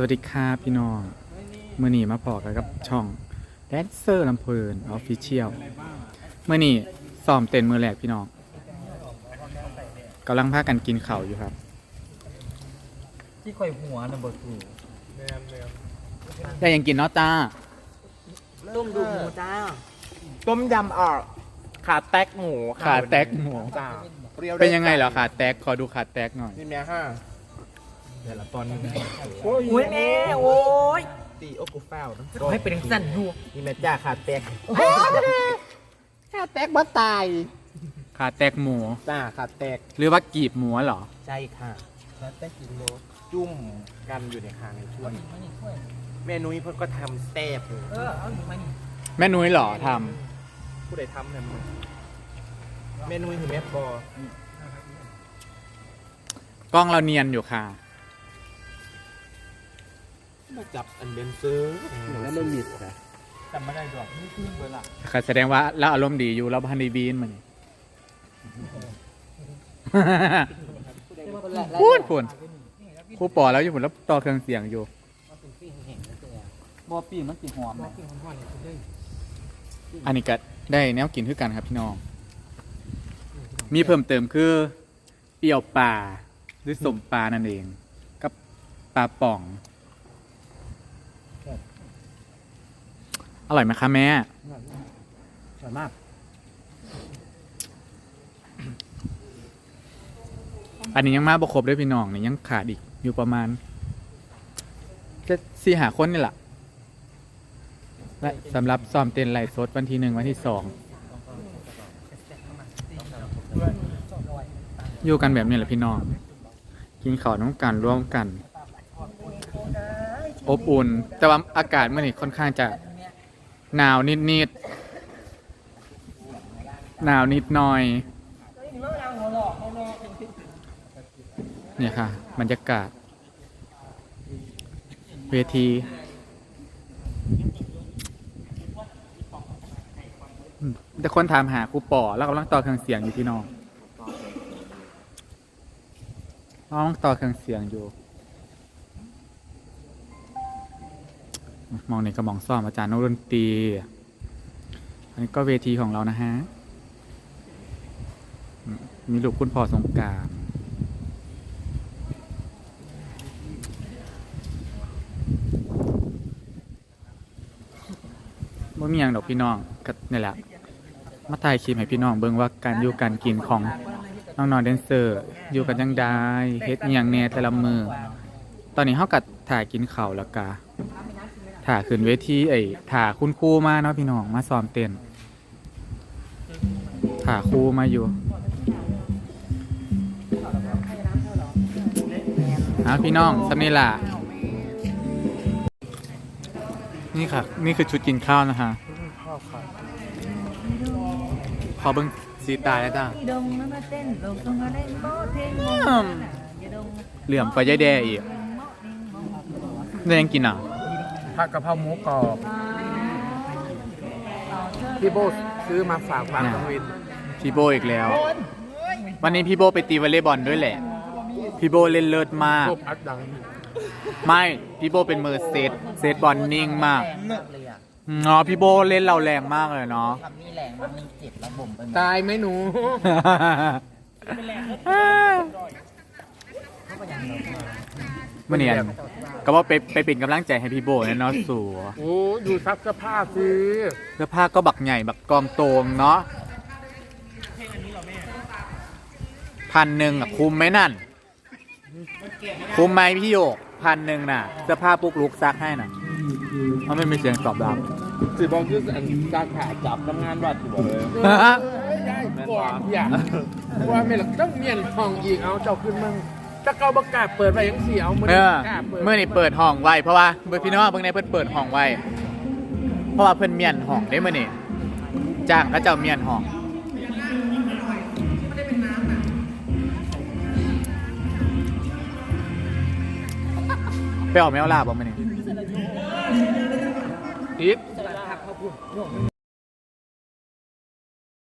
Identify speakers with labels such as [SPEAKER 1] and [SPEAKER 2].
[SPEAKER 1] วัสดีครับพี่น้องมื่อนี้มาพอกันกับช่องแดนเซอร์ลำเพลินออฟฟิเชียลมื่อนี้ซ้อมเต้นมือแรกพี่น้องกำลังพากันกินข้าวอยู่ครับ
[SPEAKER 2] ที่ข่อยหัวนะบทู
[SPEAKER 1] ได้ยังกินเนาะจ้า
[SPEAKER 2] ต้มดูหมูจ้า
[SPEAKER 3] ต้มยำอ่ะขาแตกหมู
[SPEAKER 1] ขาแตกหมู
[SPEAKER 3] จ้า
[SPEAKER 1] เป็นยังไงเหรอขาแตกขอดูขาแตกหน่อย
[SPEAKER 3] นี่แม่ห้า
[SPEAKER 2] เดี๋ยวละตอนนี้
[SPEAKER 3] โอ้ย
[SPEAKER 2] อุ้ยแม่โอ้ย
[SPEAKER 3] ตีโอกูฟ้าวนะ
[SPEAKER 2] ให้เป็นสั่นอยู่
[SPEAKER 3] นี่แม่จ้าขาแตก
[SPEAKER 1] ขาแตกบ่ตายขาแตกหมู
[SPEAKER 3] จ้าขาแตก
[SPEAKER 1] หรือว่ากีบหมูเหรอ
[SPEAKER 3] ใช่ค่ะขาแตกกินโลจุ่มกันอยู่ในคางในช่วยเมนูนี้เพิ่นก็ทำแซ่บเลย
[SPEAKER 2] เอาหนูมานี่
[SPEAKER 1] แม่นุ้ยเหรอท
[SPEAKER 3] ผู้ใดทำเนี่ยมึงเมนูคือแม่ปอก
[SPEAKER 1] ล้องเราเนียนอยู่ค่ะ
[SPEAKER 3] มาจับอันเบนเซอร์แล้วมันมิดนะ
[SPEAKER 2] จำไม่ได้ดอกนี่ขึ้นเบอร์ละ
[SPEAKER 1] ค่ะแสดงว่าเราอารมณ์ดีอยู่เราพันดีบีนมันพูดครูปอแล้วอยู่ผมแล้วต่อเครื่องเสียงอยู่
[SPEAKER 2] บอปีมันสีหอม
[SPEAKER 1] อันนี้ก็ได้แนวกินคือกันครับพี่น้อง มีเพิ่มเติมคือเปรี้ยวปลาหรือสมปลานั่นเอง กับปลาป่อง อร่อยไหมคะแม่
[SPEAKER 3] สวยมาก
[SPEAKER 1] อันนี้ยังมาบ่ครบด้วยพี่น้องนี่ยังขาดอีกอยู่ประมาณจะ4-5 คนนี่แหละและสำหรับซ้อมเต้นไลฟ์สดวันที่ 1 วันที่ 2 อยู่กันแบบนี้แหละพี่น้อง กินข้าวน้ำกันร่วมกัน อบอุ่น แต่ว่าอากาศเมื่อนี้ค่อนข้างจะหนาวนิดหนาวนิดหน่อย เนี่ยค่ะบรรยากาศเวทีแต่คนถามหาครูปอแล้วกำลังต่อเครื่องเสียงอยู่พี่น้องต่อเครื่องเสียงอยู่มองในกระหม่องซ่อมอาจารย์นกดนตรีอันนี้ก็เวทีของเรานะฮะมีลูกคุณพ่อสงกรานต์บ่มีอย่างดอกพี่น้องก็นี่แหละมาถ่ายคลิปให้พี่น้องเบิ่งว่าการอยู่การกินของน้องๆแดนเซอร์อยู่กันจังได๋เฮ็ดอีหยังแหน่แต่ละมื้อตอนนี้เฮาก็ถ่ายกินข้าวแล้วก็ถ่าขึ้นเวทีถ่าคุณครูมาเนาะพี่น้องมาซ้อมเต้นถ่าครูมาอยู่พี่น้องสำนี่ล่ะนี่ค่ะนี่คือชุดกินข้าวนะฮะพอเบิ้งสีตายแล้วจ้า
[SPEAKER 4] ดงมาเต้นลงตรงมาเล่นโบเทง
[SPEAKER 1] เหลื่อมไปย่ายแดอีกได้ยังกินอ่ะ
[SPEAKER 3] ผักกะเพราหมูกรอบพี่โบซื้อมาฝากน้องวิน
[SPEAKER 1] พี่โบอีกแล้ว วันนี้พี่โบไปตีวอลเลย์บอลด้วยแหละพี่โบเล่นเลิศมาก
[SPEAKER 3] พบอัดดัง
[SPEAKER 1] ไม่พี่โบเป็นมือเซตบอลนิ่งมาก
[SPEAKER 2] เลยอ่ะ
[SPEAKER 1] อ๋อพี่โบเล่นเราแรงมากเลยเนาะ
[SPEAKER 2] ทำนี่แรงมันมีเจ็บระบบเป็น
[SPEAKER 3] ตายไหมหนู
[SPEAKER 1] มื่อนี้ก็ว่าไปเป็นกำลังใจให้พี่โบนะเนาะสัว
[SPEAKER 3] โอ้ดูซักเสื้อผ้าสิ
[SPEAKER 1] เสื้อผ้าก็บักใหญ่บักกองโตงเนาะ1,000อ่ะคุ้มไหมนั่นคุ้มไหมพี่โยก1,000น่ะเสื้อผ้าปุ๊กลุกซักให้น่ะเขาไม่มีเสียงตอบรับ
[SPEAKER 3] สิบอกคืออันการขาจับทำงานวัดอยู่บ่เลยก่อนอย่างว่าไม่หลักต้องเมียนห้องอีกเอาเจ้าขึ้นมั่งจะเกาประกาศเปิดไปยังเสียวมื
[SPEAKER 1] เมื่อนี่เปิดห้องไว้เพราะว่าพี่น้องเพิ่งในเพิ่นเปิดห้องไว้เพราะว่าเพิ่นเมียนห้องได้เมื่อนี่จ้างเขาเจ้าเมียนห้องไปออกแมวลาบ่เมื่อนี่
[SPEAKER 3] อีฟ